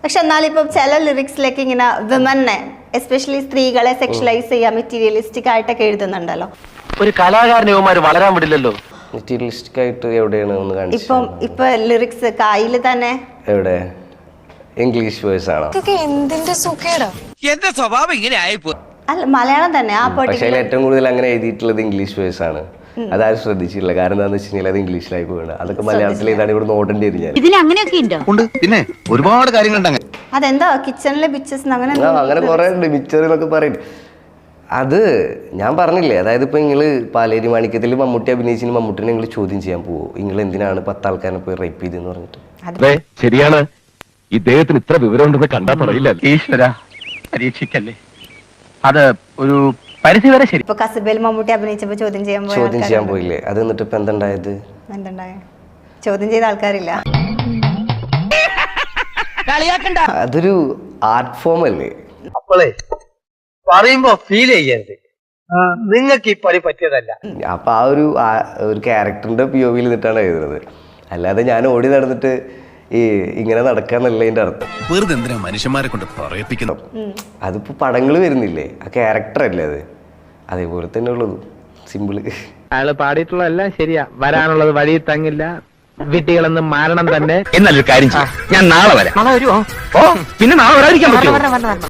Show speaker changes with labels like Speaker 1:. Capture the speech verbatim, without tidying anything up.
Speaker 1: പക്ഷെ എന്നാലും ഇപ്പം ചില ലിറിക്സിലേക്ക് ഇങ്ങനെ വിമനെ എസ്പെഷ്യലി സ്ത്രീകളെ സെക്ഷലൈസ് ചെയ്യാൻ മെറ്റീരിയലിസ്റ്റിക് ആയിട്ടൊക്കെ എഴുതുന്നുണ്ടല്ലോ.
Speaker 2: ഒരു കലാകാരന്മാര് വളരാൻ വിടില്ലല്ലോ.
Speaker 3: മെറ്റീരിയലിസ്റ്റിക് ആയിട്ട് എവിടെയാണ് ഒന്ന് കാണിച്ചത്?
Speaker 1: ഇപ്പം ഇപ്പൊ ലിറിക്സ് കായില് തന്നെ
Speaker 3: എവിടെ? ഇംഗ്ലീഷ് വേഴ്സ് ആണോ?
Speaker 4: എന്തിന്റെ സുഖേടാ
Speaker 5: എന്റെ സ്വഭാവം ഇങ്ങനെ ആയിപ്പോ.
Speaker 1: അല്ല മലയാളം തന്നെ ആ
Speaker 3: പക്ഷേ
Speaker 1: പെർട്ടിക്കുലർ
Speaker 3: ഏറ്റവും കൂടുതൽ അങ്ങനെ എഴുതിയിട്ടുള്ളത് ഇംഗ്ലീഷ് വേഴ്സ് ആണ്. അതാരും ശ്രദ്ധിച്ചിട്ടില്ല. കാരണം എന്താണെന്ന് വെച്ച് കഴിഞ്ഞാൽ അത് ഇംഗ്ലീഷിലായി പോകണം. അതൊക്കെ മലയാളത്തിൽ ഏതാണ് ഇവിടെ ഓടേണ്ടി വരും. ഞാൻ
Speaker 6: ഇതിൽ അങ്ങനെയൊക്കെ ഉണ്ടോ?
Speaker 7: ഉണ്ട്, പിന്നെ ഒരുപാട് കാര്യങ്ങളുണ്ട്.
Speaker 1: അതെന്താ കിച്ചണിലെ ബിച്ചസ് അങ്ങനെ
Speaker 3: ആ അങ്ങനെ കുറെ ഉണ്ട്. മിച്ചർ എന്നൊക്കെ പറയും. അത് ഞാൻ പറഞ്ഞില്ലേ, അതായത് ഇപ്പൊ നിങ്ങള് പാലേരി മാണിക്യത്തിൽ മമ്മൂട്ടി അഭിനയിച്ചിന് മമ്മൂട്ടിനെ നിങ്ങൾ ചോദ്യം ചെയ്യാൻ പോവോ? നിങ്ങൾ എന്തിനാണ് പത്താൾക്കാരെ പോയി റേപ്പ് ചെയ്തെന്ന് പറഞ്ഞിട്ട്?
Speaker 2: ശരിയാണ്, ഇദ്ദേഹത്തിന് ഇത്ര വിവരം ഉണ്ടെന്ന് കണ്ടാ പറയില്ല.
Speaker 7: ഈശ്വര പരീക്ഷിക്കല്ലേ, അത് ഒരു പരിധി വരെ ശരി.
Speaker 1: ഇപ്പൊ കസബയിൽ മമ്മൂട്ടി അഭിനയിച്ചപ്പോ ചോദ്യം ചെയ്യാൻ പോയ
Speaker 3: ചോദ്യം ചെയ്യാൻ
Speaker 1: ആൾക്കാരുണ്ട്.
Speaker 3: പോയില്ലേ? അത് എന്നിട്ട് ഇപ്പൊ എന്തുണ്ടായത്?
Speaker 1: എന്തുണ്ടായ ചോദ്യം ചെയ്ത ആൾക്കാരില്ല.
Speaker 3: അതൊരു ആർട്ട് ഫോം അല്ലേ?
Speaker 8: അപ്പോളേ പറയുമ്പോ ഫീൽ ചെയ്യരുത്, നിങ്ങൾക്ക് ഈ പണി പറ്റിയതല്ല.
Speaker 3: അപ്പൊ ആ ഒരു ആ- ഒരു ക്യാരക്ടറിന്റെ പി ഒ വിയിൽ നിന്നിട്ടാണ് എഴുതുന്നത്. അല്ലാതെ ഞാൻ ഓടി നടന്നിട്ട് ഈ ഇങ്ങനെ നടക്കാന്നല്ല അതിന്റെ അർത്ഥം.
Speaker 7: വെറുതെ എന്തിനാ മനുഷ്യന്മാരെ കൊണ്ട് പറയിപ്പിക്കുന്നു?
Speaker 3: അതിപ്പോ പടങ്ങൾ വരുന്നില്ലേ, ആ ക്യാരക്ടർ അല്ലേ അത്? അതേപോലെ തന്നെ ഉള്ളത്. സിമ്പിള്.
Speaker 9: അയാള് പാടിയിട്ടുള്ളതെല്ലാം ശരിയാ. വരാനുള്ളത് വഴി തങ്ങില്ല, വിട്ടികളെന്ന് മാരണം തന്നെ.
Speaker 2: എന്നല്ലൊരു കാര്യം ചെയ്യാം, ഞാൻ നാളെ വരാം.
Speaker 9: നാളെ വരുമോ?
Speaker 2: ഓ പിന്നെ നാളെ വരാതിരിക്കാൻ പറ്റുമോ?